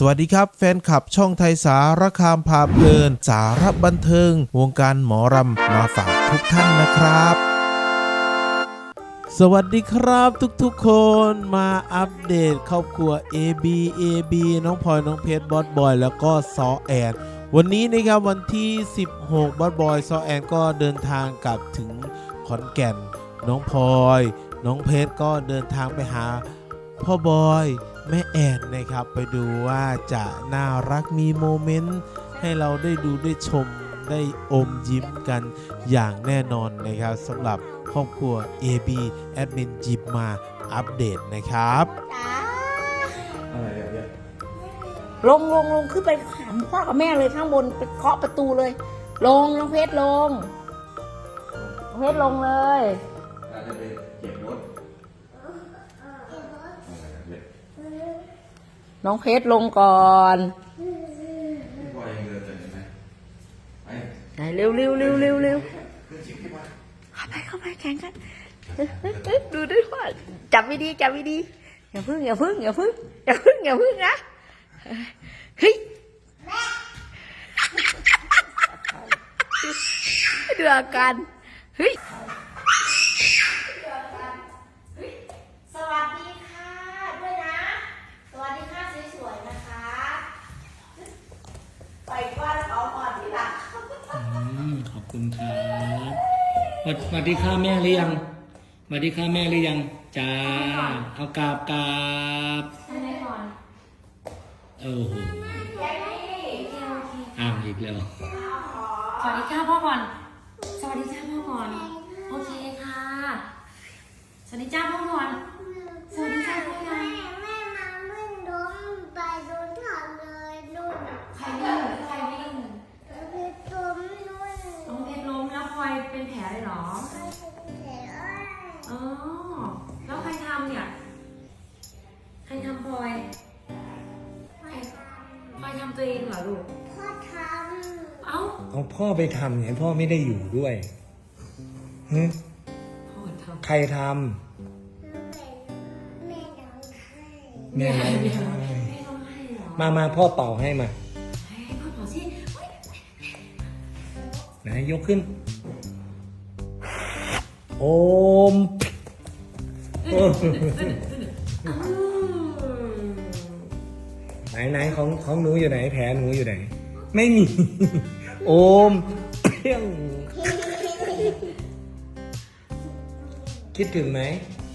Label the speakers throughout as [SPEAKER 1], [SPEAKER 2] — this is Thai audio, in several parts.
[SPEAKER 1] วัสดีครับแฟนคลับช่องไทยสารคามพาเพลินสาระบันเทิงวงการหมอรำมาฝากทุกท่านนะครับ สวัสดีครับทุกๆคนมาอัปเดตครอบครัว AB น้องพลอยน้องเพชรบอสบอยแล้วก็ซอแอนวันนี้นะครับวันที่16บอสบอยซอแอนก็เดินทางกลับถึงขอนแก่นน้องพลอยน้องเพชรก็เดินทางไปหาพ่อบอยแม่แอนนะครับไปดูว่าจะน่ารักมีโมเมนต์ให้เราได้ดูได้ชมได้อมยิ้มกันอย่างแน่นอนนะครับสำหรับครอบครัว AB แอดมินจิบมาอัปเดตนะครับ
[SPEAKER 2] ลงขึ้นไปหาพ่อกับแม่เลยข้างบนไปเคาะประตูเลยลงน้องเพชรลงเลย
[SPEAKER 3] จะไปเก็บรถ
[SPEAKER 2] น้องเพชรลงก่อน
[SPEAKER 3] พอยังเดินเลยไหมไป
[SPEAKER 2] เร็วเข้าไปแข่งกันดูด้วยว่าจับวิธีอย่าพึ่งนะเฮ้ยดูอาการเฮ้ย
[SPEAKER 4] สวัสดีค่ะด้วยนะสวัสดีค่ะสวยๆนะคะปล่อยก้อนเขาก่อนที่หลัง
[SPEAKER 5] ขอบคุณครับสวัสดีค่ะแม่หรือยังสวัสดีค่ะแม่หรือยังจ้าเอากราบ
[SPEAKER 4] ใช่ไหมก่อน
[SPEAKER 5] โอ้โหอ้าวอีกแล้ว
[SPEAKER 4] สวัสดีค่ะพ่อก่อนสวัสดีจ้าพ่อก่อนโอเคค่ะสวัสดีจ้าพ่อก่อนสวัสดีจ้าพ่อก่อน
[SPEAKER 6] แม่มาวิ่งล้มไปโดนถอดเลยนุ่น
[SPEAKER 4] ใครวิ่ง
[SPEAKER 6] พี่ตุ้มนุ่น
[SPEAKER 4] น้องเพชรล้มแล้วพลอยเป็นแผลเลยเหรอ
[SPEAKER 6] เสีย
[SPEAKER 4] อ๋อแล้วใครทำเนี่ยใครทำพลอยพลอยทำตัวเองเหรอลูก
[SPEAKER 6] พ่อทำ
[SPEAKER 4] เอ้า
[SPEAKER 5] เอาพ่อไปทำเนี่ยพ่อไม่ได้อยู่ด้วยฮึ
[SPEAKER 4] พ่อทำ
[SPEAKER 5] ใครทำ
[SPEAKER 6] แม่ร้องไห้
[SPEAKER 5] แม่ร้องไห้
[SPEAKER 4] ไม่ต้องให้เหรอ
[SPEAKER 5] มาพ่อเป่าให้มา
[SPEAKER 4] ให้พ่อเป่าสิ
[SPEAKER 5] ไหนยกขึ้นโอมไหนของหนูอยู่ไหนแผลหนูอยู่ไหนไม่มีโอมเพียงคิดถึงไหม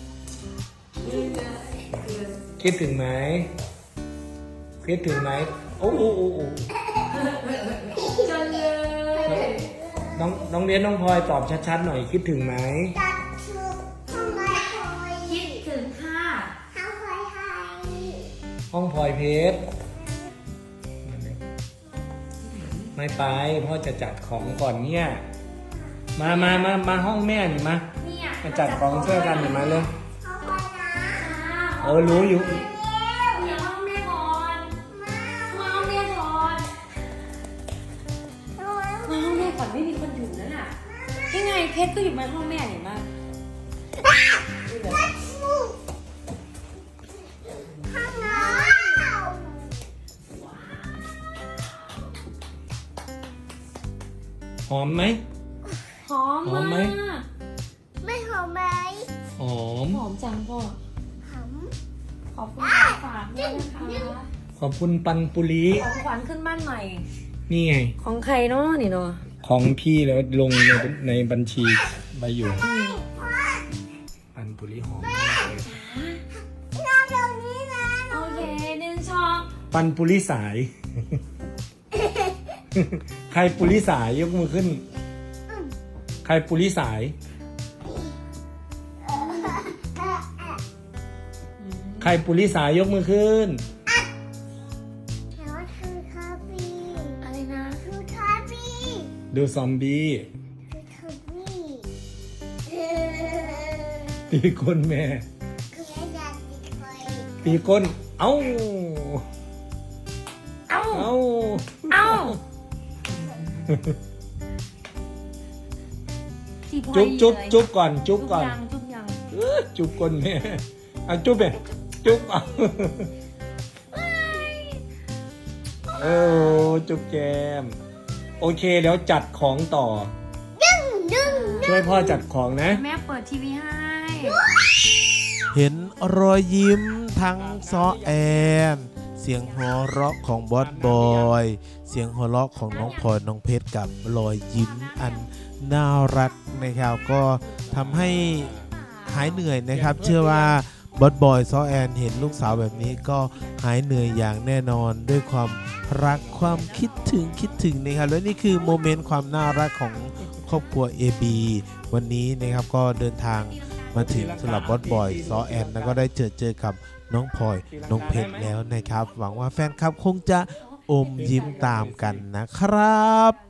[SPEAKER 5] คิดถึงไหมโอ้
[SPEAKER 4] จังเลย
[SPEAKER 5] น้องเรียนน้องพลอยตอบชัดๆหน่อยคิดถึงไหม
[SPEAKER 6] ตัดชุดทำไมคอย
[SPEAKER 4] คิดถึงค่ะ
[SPEAKER 6] ทำคอยให้
[SPEAKER 5] ห้องพลอยเพชรไม่ไปพ่อจะจัดของก่อนเนี่ยมาห้องแม่หนิมา
[SPEAKER 4] เนี่ย
[SPEAKER 5] มาจัดของช่วยกันหนิมาเลย
[SPEAKER 6] เขาคอยนะ
[SPEAKER 5] รู้อยู่
[SPEAKER 4] เดี๋ยวห้องแม่ก่อนมาห้องแม่ก่อนมาห้องแม่ก่อนไม่มีคนอยู่นั่นน่ะยังไงเพชรก็อยู่มาห้องแม่เห็นมั้ย
[SPEAKER 6] ข้างน้
[SPEAKER 5] หอมไหม
[SPEAKER 4] หอม
[SPEAKER 5] หอมไหม
[SPEAKER 4] มาก
[SPEAKER 6] ำไม่หอมไหม
[SPEAKER 5] หอม
[SPEAKER 4] หอมจังพ่อ
[SPEAKER 6] หอม
[SPEAKER 4] ขอบคุณของฝากด้วยนะคะ
[SPEAKER 5] ขอบคุณปันปุรี
[SPEAKER 4] ของขวัญขึ้นบ้านใหม่
[SPEAKER 5] นี่ไง
[SPEAKER 4] ของใครเนาะนี่เนาะ
[SPEAKER 5] ของพี่แล้วลงในบัญชีใบอยู่ปันปุรีหอมมากเลย
[SPEAKER 6] นอนตรงนี้นะ
[SPEAKER 4] โอเคหนึ่งช็อต
[SPEAKER 5] ปันปุรีสาย ใครปุริสายยกมือขึ้น ใครปุริสาย ใครปุริสายยกมือขึ้น
[SPEAKER 6] แล้วคือคาบี
[SPEAKER 4] อะไรนะ
[SPEAKER 6] คือคาบี
[SPEAKER 5] ดูซอมบี้
[SPEAKER 6] คือคาบี
[SPEAKER 5] ตีก้นแม่
[SPEAKER 6] คือแม่อยากติดไฟ
[SPEAKER 5] ตีก้น เอ้า
[SPEAKER 4] เอ้า
[SPEAKER 5] เอ้า
[SPEAKER 4] เอ้า
[SPEAKER 5] จุ๊บก่อนจุ๊บก่อน
[SPEAKER 4] จุ๊บยัง
[SPEAKER 5] จุ๊บก้นแม่เอาจุ๊บไปจุ๊บเอาโอ้จุ๊บแจมโอเคเดี๋ยวจัดของต่อช่วยพ่อจัดของนะ
[SPEAKER 4] แม่เปิดทีวีให้
[SPEAKER 1] เห็นรอยยิ้มทั้งซ้อแอน เสียงหัวเราะของบอสบอย เสียงหัวเราะของน้องพลอยน้องเพชรกับรอยยิ้มอันน่ารักนะครับก็ทำให้หายเหนื่อยนะครับ เชื่อว่าบอสบอยซ้อแอนเห็นลูกสาวแบบนี้ก็หายเหนื่อยอย่างแน่นอนด้วยความรักความคิดถึงนะครับและนี่คือโมเมนต์ความน่ารักของครอบครัว AB วันนี้นะครับก็เดินทางมาถึงสำหรับบอสบอยซ้อแอนแล้วก็ได้เจอกับน้องพลอยน้องเพชรแล้วนะครับหวังว่าแฟนคลับคงจะอมยิ้มตามกันนะครับ